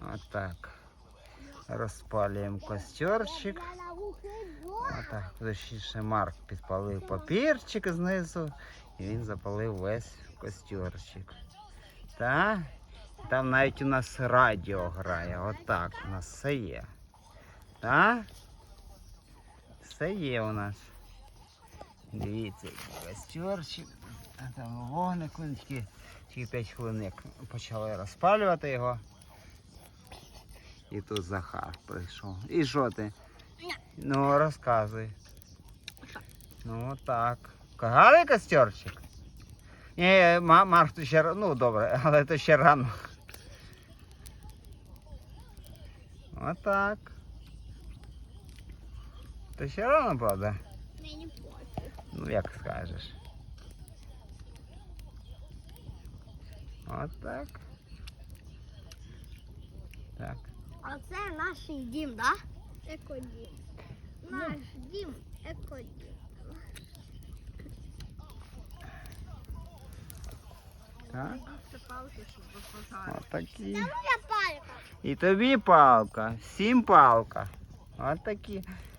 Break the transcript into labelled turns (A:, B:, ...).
A: Отак. Розпалюємо костерчик. Отак. Точніше, Марк підпалив папірчик знизу. І він запалив весь костерчик. Так. Там навіть у нас радіо грає. Отак у нас все є. Так? Все є у нас. Дивіться, який костерчик. А там вогник, тільки 5 хвилин як почали розпалювати його. І тут Захар прийшов. І що ти? Ну, розказуй. Ну, так. Гарний костерчик? Ні, Марк, то ще, ну, добре, але то ще рано. Отак. То ще рано, правда?
B: Мені пофіг.
A: Ну, як скажеш. Отак. Так.
B: А це наш дім, так? Да? Екодім. Наш дім екодім.
A: Так. Отакі.
B: Це моя палька.
A: І тобі палка, всім палка. Отакі.